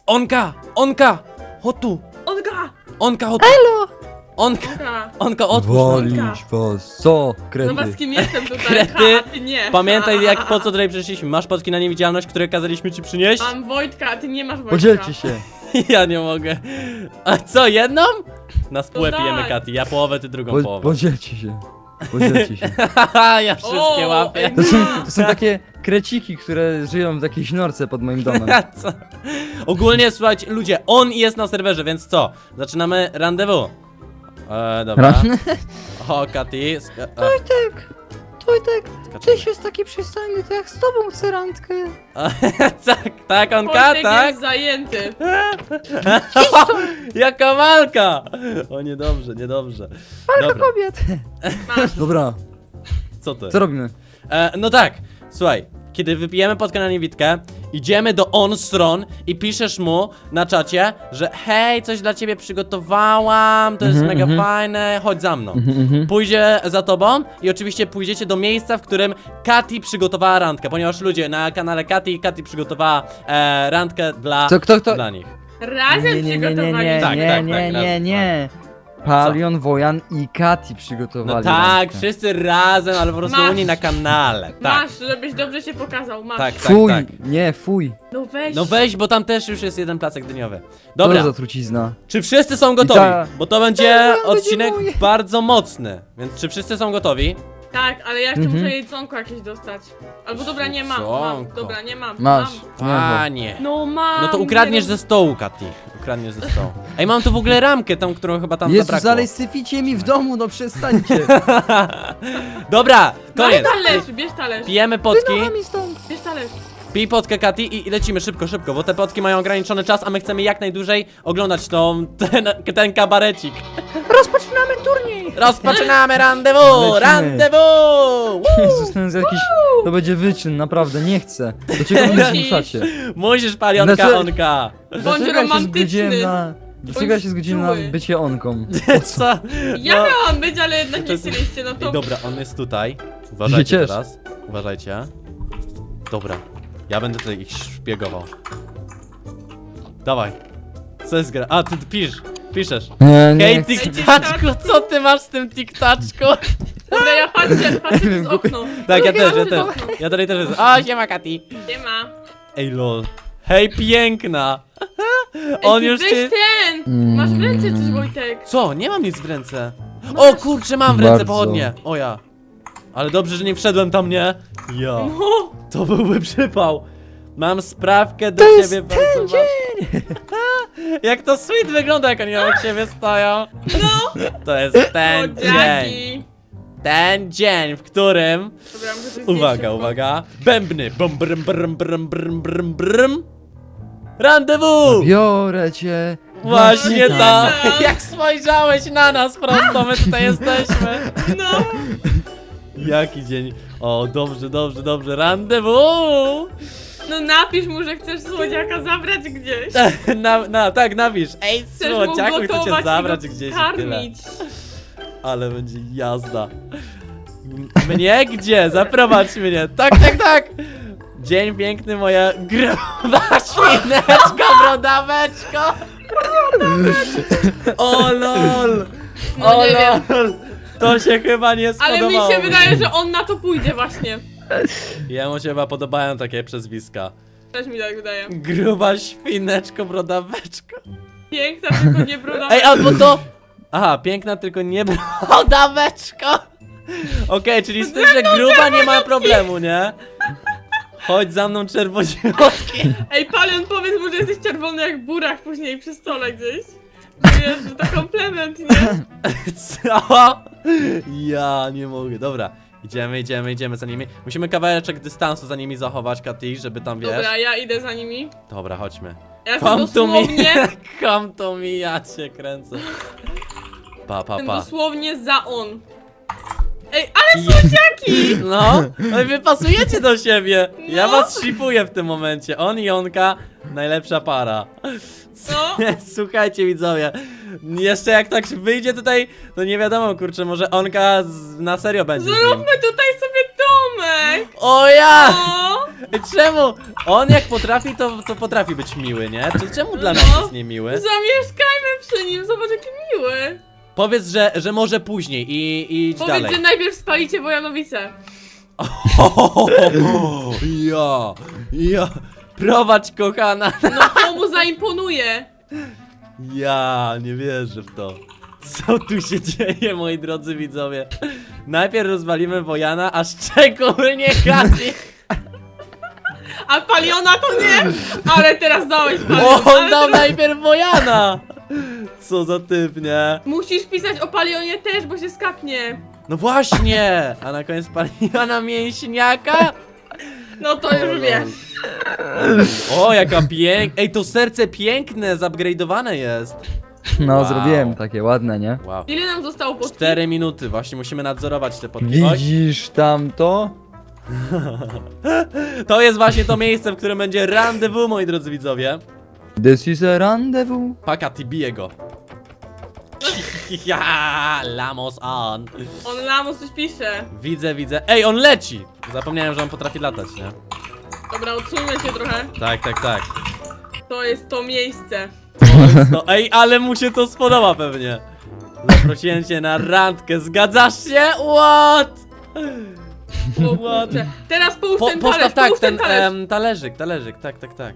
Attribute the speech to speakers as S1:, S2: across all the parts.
S1: Onka! Chodź tu!
S2: Onka!
S1: Chodź tu!
S3: Elo!
S1: Onka, otwórz!
S3: Wolisz was, co?
S2: No was
S3: Kredy.
S2: kim jestem tutaj?
S1: Krety.
S2: A ty nie.
S1: Pamiętaj po co tutaj przyszliśmy. Masz potki na niewidzialność, które kazaliśmy ci przynieść?
S2: Mam Wojtka, a ty nie masz Wojtka.
S3: Podzielcie się.
S1: Ja nie mogę. A co, jedną? Na spółę
S2: To
S1: pijemy,
S2: daj.
S1: Kati. Ja połowę, ty drugą połowę.
S3: Podzielcie się. Podzielcie się.
S1: Haha, ja wszystkie
S2: O,
S1: łapię.
S2: ej,
S3: To są takie kreciki, które żyją w jakiejś norce pod moim domem.
S1: A co? Ogólnie, słuchajcie, ludzie, on jest na serwerze, więc co? Zaczynamy randewu. Dobra. O, Kati.
S3: Tojtek,
S1: Skaczemy.
S3: jest taki przystojny, to jak z tobą chcę randkę.
S1: Tak, Onka,
S2: Wojtek
S1: tak?
S2: jest zajęty.
S1: Jaka walka! O, niedobrze. Dobra,
S3: Kobiet.
S2: Masz.
S3: Dobra,
S1: co to?
S3: co robimy?
S1: No tak, słuchaj, kiedy wypijemy potkę na niewidkę, idziemy do on stron i piszesz mu na czacie, że hej, coś dla ciebie przygotowałam, to jest mega fajne, chodź za mną. Pójdzie za tobą i oczywiście pójdziecie do miejsca, w którym Kati przygotowała randkę, ponieważ ludzie na kanale Kati przygotowała randkę
S3: Kto?
S1: dla nich.
S2: Razem przygotowali.
S1: Tak,
S3: nie. Palion, Wojan i Kati przygotowali
S1: No tak,
S3: randkę.
S1: wszyscy razem, ale po prostu
S2: Masz.
S1: oni na kanale. Tak,
S2: Masz, żebyś dobrze się pokazał, masz.
S1: tak.
S3: Fuj, nie, fuj.
S2: No weź.
S1: No weź, bo tam też już jest jeden placek dyniowy.
S3: Dobra.
S1: Dobra.
S3: To za trucizna.
S1: Czy wszyscy są gotowi? Bo to będzie
S3: Tak, będzie
S1: odcinek
S3: moje.
S1: bardzo mocny. Więc czy wszyscy są gotowi?
S2: Tak, ale ja jeszcze muszę jedzonko jakieś dostać. Albo dobra, nie mam.
S1: Jedzonko.
S2: Dobra, nie mam.
S3: Masz.
S2: Mam.
S1: Panie.
S2: No mam.
S1: No to ukradniesz ze stołu, Kati. Ukradniesz ze stołu. Ej, mam tu w ogóle ramkę, tą, którą chyba tam
S3: Jezus,
S1: zabrakło.
S3: ale syficie mi w domu, no przestańcie.
S1: Dobra,
S2: Bierz
S1: koniec.
S2: talerz.
S1: Pijemy potki.
S3: Wynocha mi stąd.
S2: Bierz talerz.
S1: Pij potkę, Kati, i lecimy szybko, bo te potki mają ograniczony czas, a my chcemy jak najdłużej oglądać ten kabarecik.
S3: Rozpoczynamy turniej.
S1: Rozpoczynamy randewu!
S3: Lecimy.
S1: Randewu!
S3: Jezus, ten jest jakiś... To będzie wyczyn, naprawdę, nie chcę. Do czego mnie
S2: Musisz.
S3: zmuszacie?
S1: Musisz, palionka,
S3: Dlaczego-
S1: onka.
S3: Dlaczego ja się zgodziłem
S2: romantyczny.
S3: na... Dlaczego ja się zgodziłem na
S2: czuły.
S3: bycie onką?
S1: Co?
S2: Ja
S1: No.
S2: miałam być, ale jednak
S1: To
S2: nie
S1: jest-
S2: chcieliście, no
S1: Ej,
S2: to...
S1: dobra, on jest tutaj. Uważajcie
S3: ciesz.
S1: teraz. Uważajcie. Dobra. Ja będę tutaj ich szpiegował. Dawaj. Co jest gra? A, ty piszesz. Hej,
S3: chcę.
S1: tiktaczku, co ty masz z tym tiktaczku?
S2: Dobra, ja patrzę przez okno.
S1: Tak, ja
S2: Drugie
S1: też.
S2: okno.
S1: Ja tutaj też jestem. O, siema, Kati.
S2: Nie ma.
S1: Ej, lol. Hej, piękna.
S2: Ej,
S1: On
S2: ty
S1: już
S2: weź
S1: cię...
S2: ten! Masz w ręce coś, Wojtek.
S1: Co? Nie mam nic w ręce. O kurczę, mam w ręce
S3: Bardzo.
S1: pochodnie. O ja. Ale dobrze, że nie wszedłem tam, nie? Ja.
S2: No,
S1: To byłby przypał. Mam sprawkę do
S3: To jest
S1: ciebie
S3: ten
S1: bardzo ważną. Jak to sweet wygląda, jak oni obok siebie stoją.
S2: no.
S1: To jest ten dzień.
S2: Młodziaki.
S1: Ten dzień, w którym...
S2: Dobra, muszę coś
S1: Uwaga,
S2: zjeść.
S1: uwaga. Bębny. Bum, brm, brm, brm, brm, brm, brm. Randewu!
S3: Biorę cię.
S1: Właśnie
S2: No,
S1: tak.
S2: nie.
S1: Jak spojrzałeś na nas prosto, my tutaj jesteśmy.
S2: No.
S1: Jaki dzień. O, dobrze. Randewu!
S2: No napisz mu, że chcesz słodziaka zabrać gdzieś.
S1: Tak, napisz. Ej,
S2: Chcesz mu
S1: słodziaku, chcę cię
S2: gotować
S1: zabrać
S2: i go
S1: gdzieś i tyle.
S2: karmić.
S1: Ale będzie jazda. Mnie gdzie? Zaprowadź mnie. Tak. Dzień piękny, moja gruba świneczka, brodaweczko. O lol.
S2: No
S1: O
S2: nie wiem.
S1: lol. To się chyba nie
S2: Ale
S1: spodobało.
S2: mi się wydaje, że on na to pójdzie właśnie.
S1: Jemu się chyba podobają takie przezwiska.
S2: Też mi tak wydaje.
S1: Gruba świneczko, brodaweczko.
S2: Piękna, tylko nie bruda.
S1: Ej, albo to... Aha, piękna, tylko nie brodaweczko. Okej, czyli z tym, że gruba nie ma problemu, nie? Chodź za mną, czerwoziutki.
S2: Ej, Palion, powiedz mu, że jesteś czerwony jak burak później przy stole gdzieś. Wiesz, że to komplement, nie?
S1: Co? Ja nie mogę, dobra. Idziemy za nimi. Musimy kawałeczek dystansu za nimi zachować, Kati, żeby tam, wiesz.
S2: Dobra, ja idę za nimi.
S1: Dobra, chodźmy.
S2: Ja jestem
S1: Come to me,
S2: dosłownie...
S1: come to me, ja cię kręcę. Pa.
S2: Jestem dosłownie za on. Ej, ale słodziaki!
S1: No, wy pasujecie do siebie. Ja
S2: No.
S1: was shipuję w tym momencie. On i Onka, najlepsza para.
S2: No.
S1: Słuchajcie, widzowie. Jeszcze jak tak wyjdzie tutaj, to nie wiadomo, kurczę, może Onka na serio będzie z nim.
S2: Zróbmy tutaj sobie domek!
S1: O ja!
S2: O!
S1: Czemu? On jak potrafi, to potrafi być miły, nie? Czemu dla nas
S2: No.
S1: jest niemiły?
S2: Zamieszkajmy przy nim, zobacz jaki miły.
S1: Powiedz, że może później i idź
S2: Powiedz,
S1: dalej.
S2: że najpierw spalicie Wojanowice.
S1: Ja, prowadź kochana.
S2: No to mu zaimponuje.
S1: Ja nie wierzę w to. Co tu się dzieje, moi drodzy widzowie? Najpierw rozwalimy Wojana, a szczególnie Kati.
S2: A Paliona to nie. Ale teraz dałeś Paliona.
S1: O, on
S2: ale
S1: dał
S2: teraz...
S1: najpierw Wojana! Co za typ, nie?
S2: Musisz pisać o Palionie też, bo się skapnie.
S1: No właśnie! A na koniec Paliona mięśniaka?
S2: No to już wiesz.
S1: O, jaka piękna. Ej, to serce piękne, zupgrade'owane jest.
S3: No,
S1: Wow.
S3: zrobiłem takie ładne, nie?
S1: Wow.
S2: Ile nam zostało potki?
S1: 4 minuty, właśnie musimy nadzorować te podki. Oj,
S3: Widzisz tamto?
S1: to jest właśnie to miejsce, w którym będzie rendezvous, moi drodzy widzowie.
S3: This is a rendezvous.
S1: Pakati, bije go. Ja, Lamos on.
S2: On Lamus coś pisze.
S1: Widzę. Ej, on leci! Zapomniałem, że on potrafi latać, nie?
S2: Dobra, odsuńmy się trochę.
S1: Tak.
S2: To jest to miejsce.
S1: No, ej, ale mu się to spodoba pewnie. Zaprosiłem cię na randkę, zgadzasz się? What?
S2: O kurczę. Teraz połóż ten
S1: Postaw
S2: talerz,
S1: tak,
S2: połóż
S1: ten
S2: talerz.
S1: talerzyk, tak.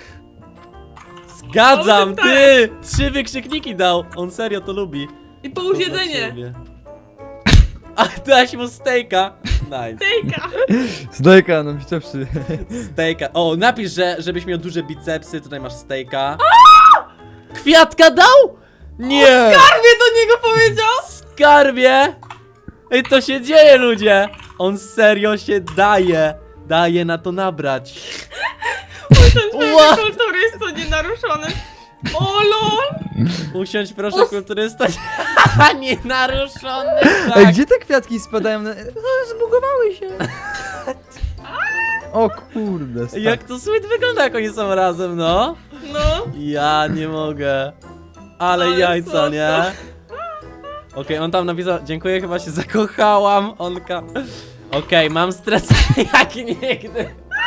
S1: Zgadzam,
S2: Połóż ten
S1: ty! 3 wykrzykniki dał, on serio to lubi.
S2: I połóż
S1: To dla
S2: jedzenie.
S1: ciebie. A dałeś mu stejka. Nice.
S2: Tejka.
S3: Zdejka, no bicepsy.
S1: Stejka. O, napisz, żebyś miał duże bicepsy, tutaj masz stejka. Kwiatka dał? Nie!
S2: Skarbie do niego powiedział?
S1: Skarbie! Ej, to się dzieje, ludzie! On serio się daje na to nabrać.
S2: Ten
S1: What?
S2: kultury jest to nienaruszony. O lol!
S1: Usiądź proszę,
S2: Os-
S1: kulturysta. Nienaruszony,
S3: Ej,
S1: tak.
S3: gdzie te kwiatki spadają? Zbugowały się. O kurde, stary.
S1: Jak to sweet wygląda, jak oni są razem, no.
S2: No.
S1: Ja nie mogę. Ale
S2: Ale
S1: jajca,
S2: słodko.
S1: nie? Okej, on tam napisał, dziękuję, chyba się zakochałam, onka. Okej, mam stres jak nigdy.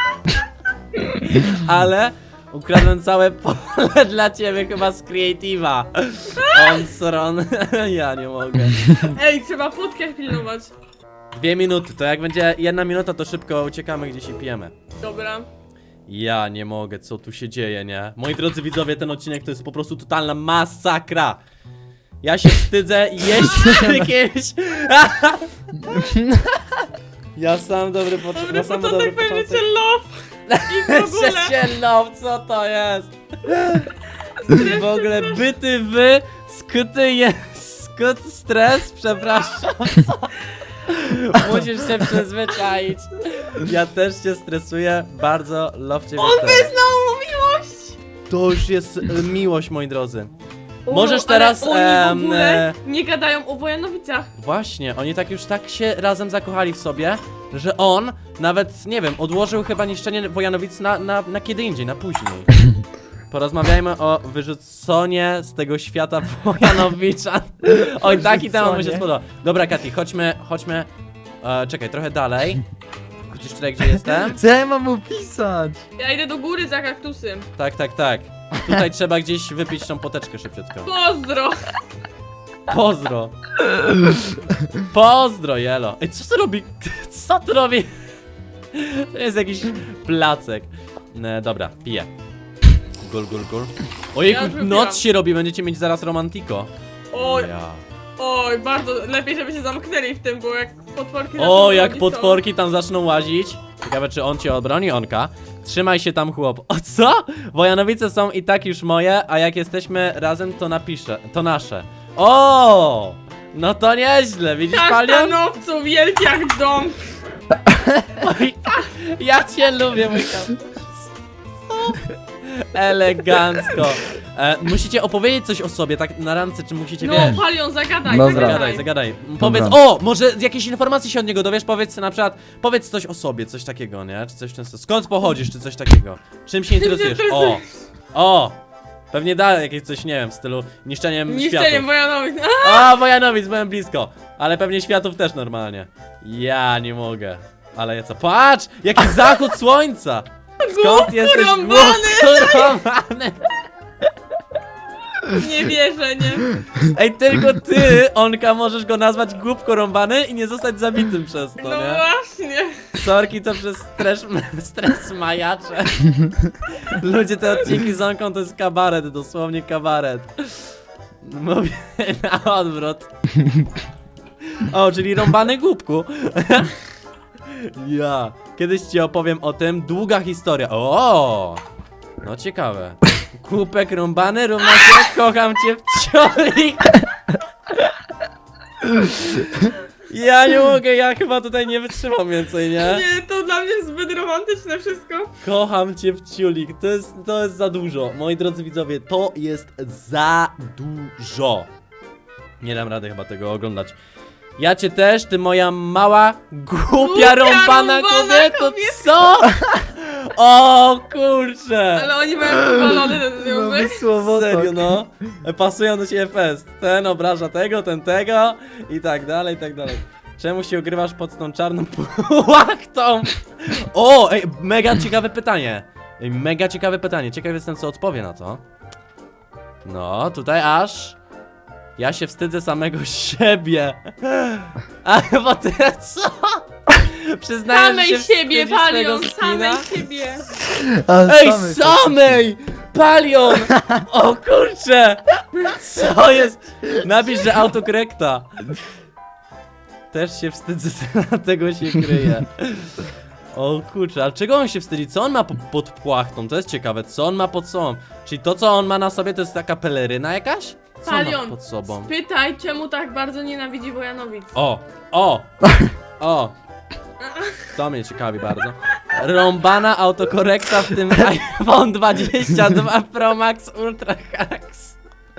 S1: Ale ukradłem całe pole dla ciebie chyba z Creative'a. On stron. Ja nie mogę.
S2: Ej, trzeba płotkę pilnować.
S1: 2 minuty, to jak będzie 1 minuta, to szybko uciekamy gdzieś i pijemy.
S2: Dobra.
S1: Ja nie mogę, co tu się dzieje, nie? Moi drodzy widzowie, ten odcinek to jest po prostu totalna masakra. Ja się wstydzę jeść jakieś. Ja sam dobry początek.
S2: Dobry początek będzie cię love. I w ogóle.
S1: Sześcielną, co to jest? W ogóle byty wy, skuty jest, skut stres, przepraszam. Musisz się przyzwyczaić. Ja też się stresuję, bardzo love ciebie
S2: On
S1: też.
S2: wyznał mu miłość.
S1: To już jest miłość, moi drodzy.
S2: O,
S1: Możesz
S2: ale
S1: teraz,
S2: oni w ogóle nie gadają o Wojanowicach.
S1: Właśnie, oni tak już tak się razem zakochali w sobie, że on nawet, nie wiem, odłożył chyba niszczenie Wojanowic na kiedy indziej, na później. Porozmawiajmy o wyrzuconie z tego świata Wojanowicza. Oj, taki temat mi się spodoba. Dobra, Kati, chodźmy. Czekaj, trochę dalej. Widzisz tutaj, gdzie jestem?
S3: Co ja mam opisać?
S2: Ja idę do góry za kaktusem.
S1: Tak. Tutaj trzeba gdzieś wypić tą poteczkę szybciutko.
S2: Pozdro.
S1: Pozdro, Jelo. Ej, co to robi? Co to robi? To jest jakiś placek. Dobra, piję. Gul. Ojejku,
S2: Ja już wypiłam.
S1: noc się robi, będziecie mieć zaraz romantiko.
S2: Oj,
S1: Ja.
S2: oj, bardzo lepiej, żeby się zamknęli w tym, bo jak potworki
S1: O,
S2: zaczną
S1: jak
S2: robić,
S1: potworki tam zaczną łazić. Ciekawe, czy on cię obroni, onka. Trzymaj się tam, chłop. O co? Wojanowice są i tak już moje, a jak jesteśmy razem, to napiszę. To nasze. O! No to nieźle, widzisz,
S2: To...
S1: Palion?
S2: Kasztanowcu, wielki jak dom.
S1: Oj, ja cię lubię, mój kampus. Elegancko. Musicie opowiedzieć coś o sobie, tak na randce, czy musicie,
S2: No,
S1: wiesz?
S2: Palion, zagadaj,
S3: Dobra.
S1: Zagadaj. Powiedz, może z jakiejś informacji się od niego dowiesz, powiedz na przykład, powiedz coś o sobie, coś takiego, nie? Czy coś często, skąd pochodzisz, czy coś takiego? Czym się interesujesz? O! Pewnie dalej jakieś coś, nie wiem, w stylu niszczeniem
S2: Niszczeniem
S1: światów.
S2: Wojanowic.
S1: A, Wojanowic, byłem blisko. Ale pewnie światów też normalnie. Ja nie mogę. Ale co? Patrz! Jaki zachód słońca! Skąd jesteś
S2: rąbany!
S1: głupko rąbany?
S2: Nie wierzę, nie?
S1: Ej, tylko ty, Onka, możesz go nazwać głupko rąbany i nie zostać zabitym przez to,
S2: No
S1: nie?
S2: właśnie.
S1: Sorki, to przez stres majacze. Ludzie, te odcinki z Onką to jest kabaret, dosłownie kabaret. Mówię na odwrót. O, czyli rąbany głupku. Ja. Kiedyś ci opowiem o tym. Długa historia. O! No ciekawe. Głupek rąbany równa się kocham cię w ciolik. Ja nie mogę, ja chyba tutaj nie wytrzymam więcej, nie?
S2: Nie, to dla mnie zbyt romantyczne wszystko.
S1: Kocham cię w ciulik, to jest za dużo. Moi drodzy widzowie, to jest za dużo. Nie dam rady chyba tego oglądać. Ja cię też, ty moja mała, głupia rąbana kobieto, co? O kurczę!
S2: Ale oni mają powalony ten związek.
S1: Serio, no. Pasują do siebie fest. Ten obraża tego, ten tego i tak dalej, i tak dalej. Czemu się ogrywasz pod tą czarną płachtą? O, ej, mega ciekawe pytanie. Ej, mega ciekawe pytanie. Ciekaw jestem, co odpowie na to. No, tutaj aż... Ja się wstydzę samego siebie. A bo ty co? Przyznajesz,
S2: Samej
S1: że się
S2: siebie,
S1: wstydzisz swojego
S2: Palion,
S1: skina?
S2: samej siebie.
S1: Ej, samej! Palion! O kurcze! Co jest? Napisz, że autokorekta. Też się wstydzę, dlatego się kryje. O kurczę, ale czego on się wstydzi? Co on ma pod płachtą? To jest ciekawe, co on ma pod sobą? Czyli to, co on ma na sobie, to jest taka peleryna jakaś? Co on ma
S2: Palion,
S1: pod sobą?
S2: spytaj, czemu tak bardzo nienawidzi Wojanowic.
S1: O! To mnie ciekawi bardzo. Rąbana autokorekta, w tym iPhone 22 Pro Max Ultra Hacks.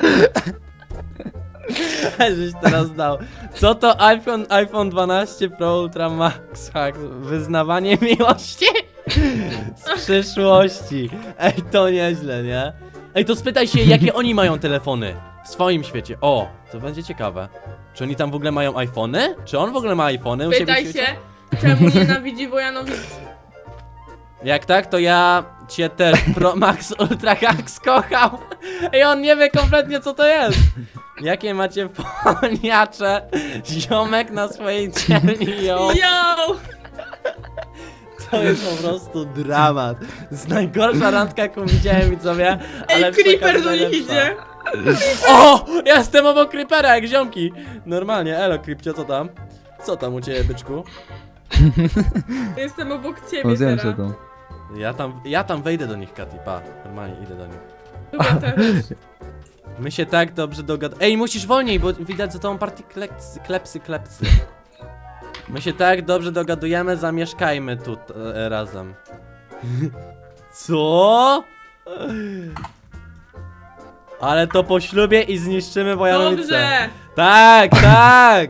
S1: Żeś teraz dał. Co to iPhone 12 Pro Ultra Max Hacks? Wyznawanie miłości? Z przyszłości. Ej, to nieźle, nie? Ej, to spytaj się, jakie oni mają telefony w swoim świecie. O, to będzie ciekawe. Czy oni tam w ogóle mają iPhony? Czy on w ogóle ma iPhony u siebie w
S2: Pytaj
S1: świecie?
S2: się, czemu nienawidzi Wojanowic.
S1: Jak tak, to ja cię też Pro Max Ultra Hacks kocham. I on nie wie kompletnie, co to jest. Jakie macie poniacze? Ziomek na swojej dzielni, yo.
S2: Yo!
S1: To jest po prostu dramat. To jest najgorsza randka, jaką widziałem, widzowie. Ale
S2: Ej, Creeper
S1: przekaz
S2: do nich
S1: najlepsza.
S2: idzie.
S1: O! Ja jestem obok Creepera, jak ziomki. Normalnie, elo Creepcio, co tam? Co tam u ciebie, byczku?
S2: Jestem obok ciebie
S3: Zdjęcie
S2: teraz.
S3: to.
S1: Ja tam wejdę do nich, Kati, pa. Normalnie idę do nich.
S2: Chyba też.
S1: My się tak dobrze dogadamy. Ej, musisz wolniej, bo widać za tą partię klepsy. My się tak dobrze dogadujemy, zamieszkajmy tu razem. Co? Ale to po ślubie i zniszczymy Wojanowice.
S2: Dobrze!
S1: Tak, tak!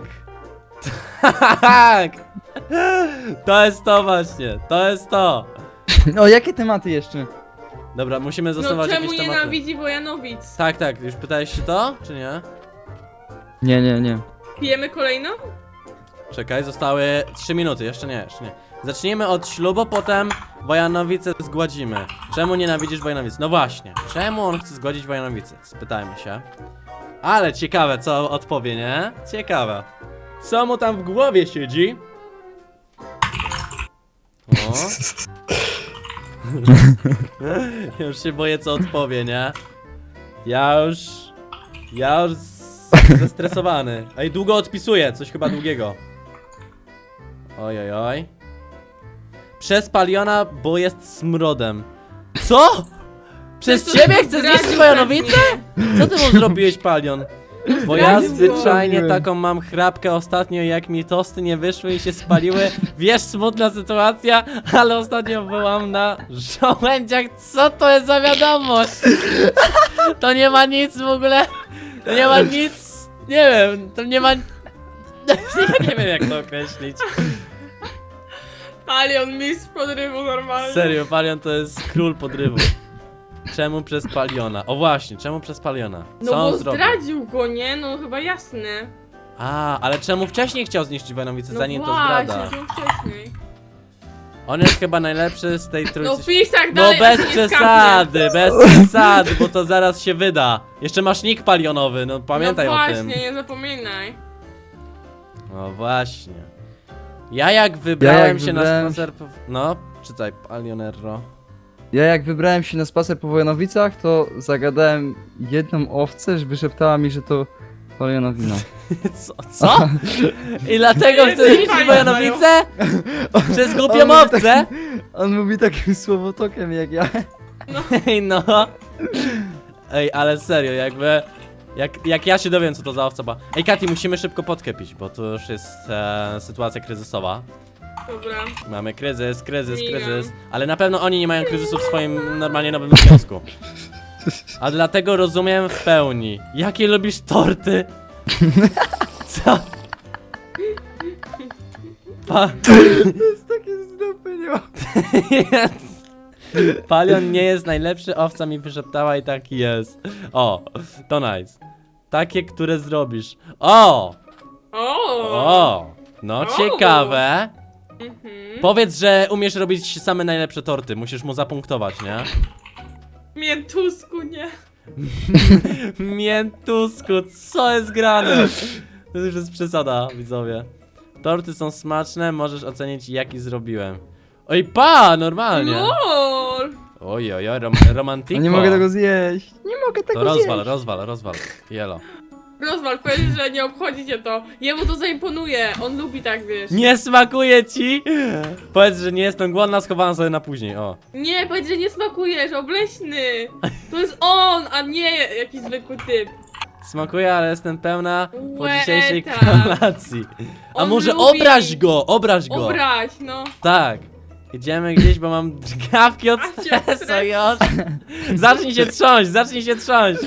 S1: Tak! To jest to właśnie, to jest to.
S3: O, jakie tematy jeszcze?
S1: Dobra, musimy
S2: No
S1: zastosować
S2: czemu
S1: jakieś tematy.
S2: nienawidzi Wojanowic?
S1: Tak, już pytałeś się to, czy nie?
S3: Nie.
S2: Pijemy kolejną?
S1: Czekaj, zostały 3 minuty, jeszcze nie. Zacznijmy od ślubu, potem Wojanowice zgładzimy. Czemu nienawidzisz Wojanowic? No właśnie, czemu on chce zgodzić Wojanowice? Spytajmy się. Ale ciekawe, co odpowie, nie? Ciekawe. Co mu tam w głowie siedzi? O. Już się boję, co odpowie, nie? Ja już zestresowany. Ej, długo odpisuję, coś chyba długiego. Oj. Przez Paliona, bo jest smrodem. Co? Przez
S2: To
S1: ciebie chce
S2: zdradził
S1: zjeść Wojanowicę? Co ty mu zrobiłeś, Palion? Bo ja
S2: Zdradził
S1: zwyczajnie
S3: go.
S1: taką mam chrapkę ostatnio, jak mi tosty nie wyszły i się spaliły. Wiesz, smutna sytuacja, ale ostatnio byłam na żołędziach. Co to jest za wiadomość? To nie ma nic w ogóle. To nie ma nic. Nie wiem, to nie ma. Ja nie wiem, jak to określić.
S2: Palion, mistrz podrywu normalnie.
S1: Serio, Palion to jest król podrywu. Czemu przez Paliona? O właśnie, czemu przez Paliona?
S2: No
S1: Co on
S2: bo
S1: zrobił?
S2: zdradził go, nie? No chyba jasne.
S1: A, ale czemu wcześniej chciał zniszczyć Wojanowice,
S2: No
S1: zanim to
S2: właśnie,
S1: zdrada?
S2: czemu wcześniej?
S1: On jest chyba najlepszy z tej
S2: No
S1: trójcy.
S2: pisz tak
S1: No
S2: dalej,
S1: bez
S2: aż nie
S1: przesady, bez przesady, bo to zaraz się wyda. Jeszcze masz nick palionowy, no pamiętaj
S2: no
S1: o
S2: właśnie,
S1: tym.
S2: nie zapominaj.
S1: No właśnie. Ja jak wybrałem się na
S3: wybrałem-
S1: spacer... No, czytaj, Palionerro.
S3: Ja jak wybrałem się na spacer po Wojanowicach, to zagadałem jedną owcę, że wyszeptała mi, że to Palionowina.
S1: Co? I dlatego
S2: Nie,
S1: chcesz
S2: nie
S1: iść w
S2: fajnie,
S1: Wojanowice? Przez głupią
S3: On mówi
S1: owcę?
S3: On mówi takim słowotokiem jak ja.
S1: Ej, no. Ej, ale serio, jakby... Jak ja się dowiem, co to za owca była. Ej, Kati, musimy szybko podkę pić, bo to już jest sytuacja kryzysowa.
S2: Dobra.
S1: Mamy kryzys,
S2: Mijam.
S1: kryzys. Ale na pewno oni nie mają kryzysu w swoim normalnie nowym związku. A dlatego rozumiem w pełni. Jakie lubisz torty? Co?
S3: To jest takie zdupy, nie ma.
S1: Palion nie jest najlepszy, owca mi wyszeptała i taki jest. O, to nice. Takie, które zrobisz. O! O! No
S2: O.
S1: ciekawe.
S2: Mhm.
S1: Powiedz, że umiesz robić same najlepsze torty. Musisz mu zapunktować, nie?
S2: Miętusku, nie.
S1: Miętusku, co jest grane? To już jest przesada, widzowie. Torty są smaczne, możesz ocenić jaki zrobiłem. Oj, normalnie.
S2: LOL.
S1: Oj, romantiko.
S3: No nie mogę tego zjeść. Nie mogę tego
S1: To
S3: zjeść.
S1: rozwal. Jelo.
S2: Rozwal, powiedz, że nie obchodzi cię to. Jemu to zaimponuje, on lubi tak, wiesz.
S1: Nie smakuje ci? Powiedz, że nie jestem głodna, schowałam sobie na później, o.
S2: Nie, powiedz, że nie smakuje, że obleśny. To jest on, a nie jakiś zwykły typ.
S1: Smakuje, ale jestem pełna po
S2: Łeta.
S1: dzisiejszej kolacji. A
S2: On
S1: może
S2: lubi-
S1: obraź go.
S2: Obraź, no.
S1: Tak. Idziemy gdzieś, bo mam drgawki od
S2: A cię
S1: stresu
S2: stres.
S1: już. Zacznij się trząść.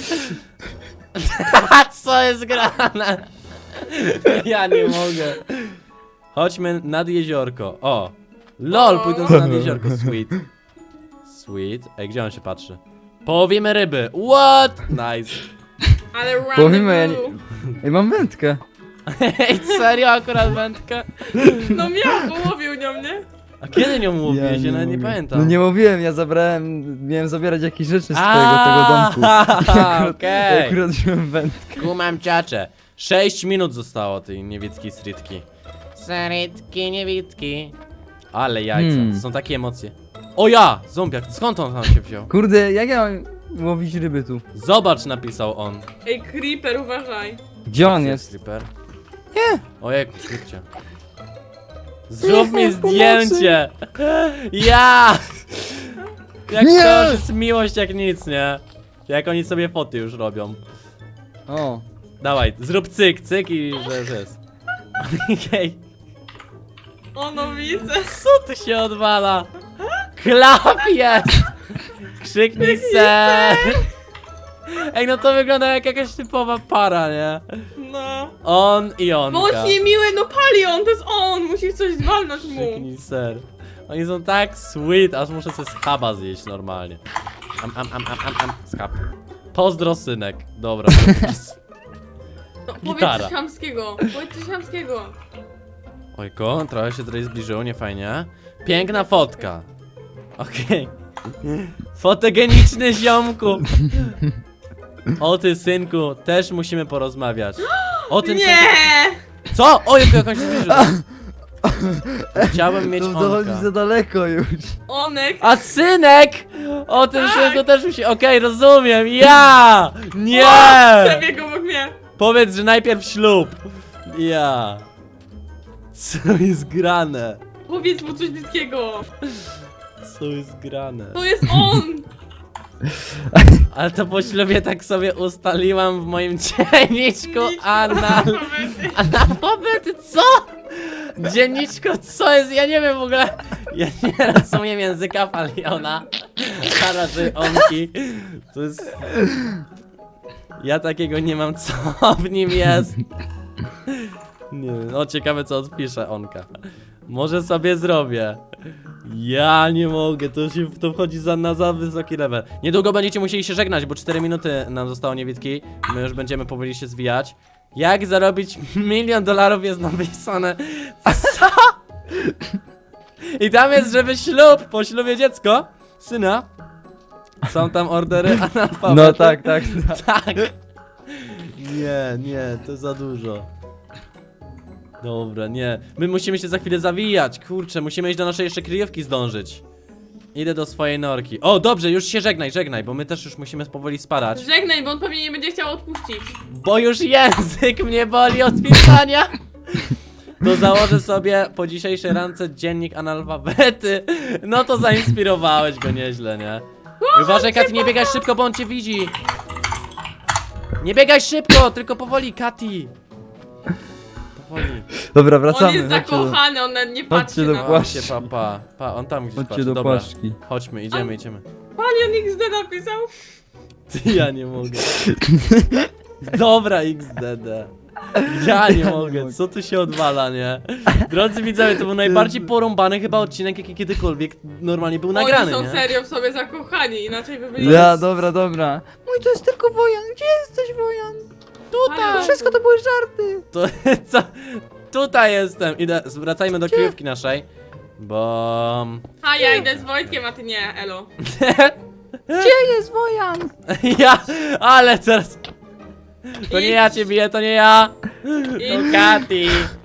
S1: Co jest grane? Ja nie mogę. Chodźmy nad jeziorko. O. LOL,
S2: O.
S1: pójdę sobie nad jeziorko. Sweet. Ej, gdzie on się patrzy? Połowimy ryby. What? Nice.
S2: Ale random
S3: Połowimy, ja nie...
S2: blue.
S3: Ej, mam wędkę.
S1: Ej, serio akurat wędkę?
S2: No miał, połowił nią, nie?
S1: A kiedy nią mówiłeś? Ja nawet nie
S3: mogę.
S1: pamiętam.
S3: No nie mówiłem, miałem zabierać jakieś rzeczy z tego domku.
S1: Okej.
S3: Akurat wziąłem wędkę.
S1: Kumam ciacze. 6 minut zostało tej niewidskiej sritki. Sritki, niewidki. Ale jajca, to są takie emocje. O ja! Zombiak, skąd on tam się wziął?
S3: Kurde, jak ja mam łowić ryby tu?
S1: Zobacz, napisał on.
S2: Ej, creeper, uważaj.
S3: Gdzie on jest?
S1: Creeper? Nie! Ojejku, zróbcie. Zrób mi zdjęcie! Ja! Jak
S3: Nie!
S1: to już jest miłość jak nic, nie? Jak oni sobie foty już robią.
S3: O.
S1: Dawaj, zrób cyk i że jest. Okej.
S2: O, no widzę.
S1: Co tu się odwala? Klap jest! Krzyknij ser! Ej, no to wygląda jak jakaś typowa para, nie?
S2: No.
S1: On i onka.
S2: Bądź miły, no Palion, to jest on, musisz coś walnąć mu.
S1: Krzyknij ser. Oni są tak sweet, aż muszę sobie schaba zjeść normalnie. Schab. Pozdro, synek. Dobra.
S2: No,
S1: Gitara.
S2: powiedz coś chamskiego,
S1: Ojko, trochę się tutaj zbliżyło, nie fajnie. Piękna fotka. Okej. Fotogeniczny ziomku. O ty, synku, też musimy porozmawiać. O tym synku.
S2: Nie!
S1: Co? Ojej, jak on się zbliżył. Chciałbym mieć
S3: To dochodzi
S1: onka.
S3: za daleko już.
S2: Onek.
S1: A synek! O tym
S2: Tak.
S1: synku też musi... Okej, rozumiem. Ja! Nie!
S2: Przebiegł obok mnie.
S1: Powiedz, że najpierw ślub. Ja. Co jest grane?
S2: Powiedz mu coś brzydkiego.
S1: Co jest grane?
S2: To jest on.
S1: Ale to po ślubie tak sobie ustaliłam w moim dzienniczku analfabety, co? Dzienniczko, co jest? Ja nie wiem w ogóle. Ja nie rozumiem języka Paliona, a raczej onki. To jest... Ja takiego nie mam, co w nim jest. Nie wiem, no ciekawe co odpisze onka. Może sobie zrobię. Ja nie mogę, to wchodzi za wysoki level. Niedługo będziecie musieli się żegnać, bo 4 minuty nam zostało niewidki. My już będziemy powoli się zwijać. Jak zarobić $1 000 000 jest napisane. Co? I tam jest, żeby ślub, po ślubie dziecko, syna. Są tam ordery analfabety.
S3: No tak.
S1: Tak. Nie, to za dużo. Dobra, nie. My musimy się za chwilę zawijać, kurczę, musimy iść do naszej jeszcze kryjówki zdążyć. Idę do swojej norki. O, dobrze, już się żegnaj, bo my też już musimy powoli spadać.
S2: Żegnaj, bo on pewnie nie będzie chciał odpuścić.
S1: Bo już język mnie boli od pisania. To założę sobie po dzisiejszej rance dziennik analfabety. No to zainspirowałeś go nieźle, nie? I uważaj, Kati, nie biegaj szybko, bo on cię widzi. Nie biegaj szybko, tylko powoli, Kati. Powoli.
S3: Dobra,
S2: On
S3: wracamy.
S2: jest
S3: chodźcie do-
S2: zakochany, on nawet nie patrzy
S3: Chodźcie do
S2: na
S3: płaszcz.
S1: Patrzcie, pa, on tam gdzieś
S3: Chodźcie
S1: patrzy,
S3: do
S1: dobra.
S3: płaszczki.
S1: Chodźmy, idziemy.
S2: Palion XD napisał.
S1: Ty, ja nie mogę. Dobra, XDD. Ja nie mogę, co tu się odwala, nie? Drodzy widzowie, to był najbardziej porąbany chyba odcinek, jaki kiedykolwiek normalnie był nagrany,
S2: Oni są
S1: nie?
S2: serio w sobie zakochani, inaczej by byli...
S3: Ja, dobra. Mój, to jest tylko Wojan. Gdzie jesteś, Wojan?
S2: Tutaj!
S3: To wszystko to były żarty.
S1: To co? Tutaj jestem. Idę, wracajmy do kryjówki naszej. Bo...
S2: A ja idę z Wojtkiem, a ty nie, elo.
S3: Gdzie jest Wojan?
S1: Ja, ale teraz... To nie ja cię biję, to nie ja. To Kati.